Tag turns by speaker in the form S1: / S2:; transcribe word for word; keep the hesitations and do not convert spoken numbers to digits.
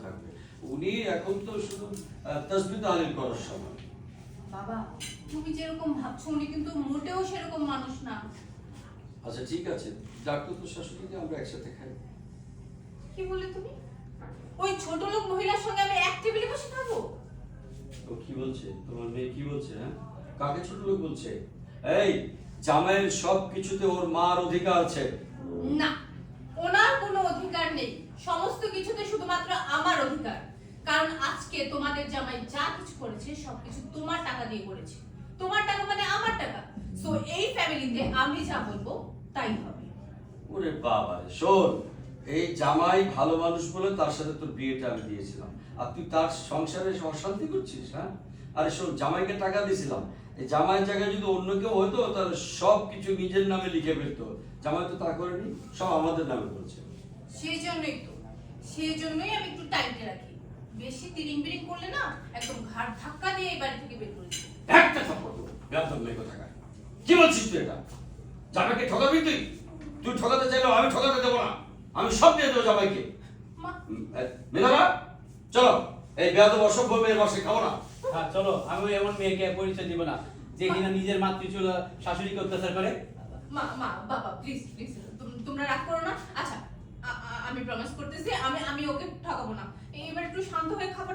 S1: থাকবে। উনি এখন তো শুধু তাসবিহ তাহলিল করার সময়।
S2: বাবা তুমি যেরকম ভাবছো উনি কিন্তু মোটেও সেরকম মানুষ না।
S1: আচ্ছা ঠিক আছে, ডাক্তার তো শাশুড়িকে আমরা একসাথে খাই।
S2: কি বললে তুমি? ওই ছোট লোক মহিলার সঙ্গে আমি এক টেবিলে বসে খাবো?
S1: ও কি বলছে তোমার মেয়ে, কি বলছে? হ্যাঁ, কাকে ছোট লোক বলছে? এই জামাইয়ের সব কিছুতে ওর মার অধিকার আছে।
S2: না, ওনার কোনো অধিকার নেই, সমস্ত কিছুতে শুধুমাত্র আমার অধিকার। কারণ আজকে তোমাদের জামাই যা কিছু করেছে সবকিছু তোমার টাকা দিয়ে করেছে। তোমার টাকা মানে আমার টাকা। সো এই ফ্যামিলিতে আমি যা বলবো তাই হবে।
S1: ওরে বাবা রে, শোন, এই জামাই ভালো মানুষ বলে তার সাথে তোর বিয়েটা আমি দিয়েছিলাম, আর তুই তার সংসারে অশান্তি করছিস। হ্যাঁ, আরে শোন, জামাইকে টাকা দিয়েছিলাম, এই জামাইয়ের জায়গায় যদি অন্য কেউ হতো তাহলে সব কিছু নিজের নামে লিখে ফেলতো। জামাই তো তা করেনি, সব আমাদের নামে করেছে।
S2: সেই জন্যই তো সেই জন্যই আমি একটু টাইটে রাখি। বেশি তিরিং বিরিং করলে না একদম ঘাট ধাক্কা দিয়ে এই বাড়ি থেকে বের করে দিই।
S1: একটা থাপ্পড় দেবো, বেয়াদব মেয়ে কোথাকার। কি বলছিস তুই এটা? জামাইকে ঠকাবি তুই? তুই ঠকাতে চাইলেও আমি ঠকাতে দেবো না, আমি সব দিয়ে দেবো জামাইকে।
S2: মা
S1: মেধাবা, চলো, এই বেয়াদব অসভ্য মেয়ের বাসায় খাবো না।
S3: হ্যাঁ চলো, আমি এমন মেয়েকে পরিচয় দিব না যে কিনা নিজের মাতৃচুল শাশুড়িকে অত্যাচার করে।
S2: মা মা বাবা প্লিজ প্লিজ তোমরা রাগ করো না। আচ্ছা আ- আ- আমি প্রমিস করতেছি আমি আমি ওকে ঠকাবো না। এবার একটু শান্ত হয়ে খাবার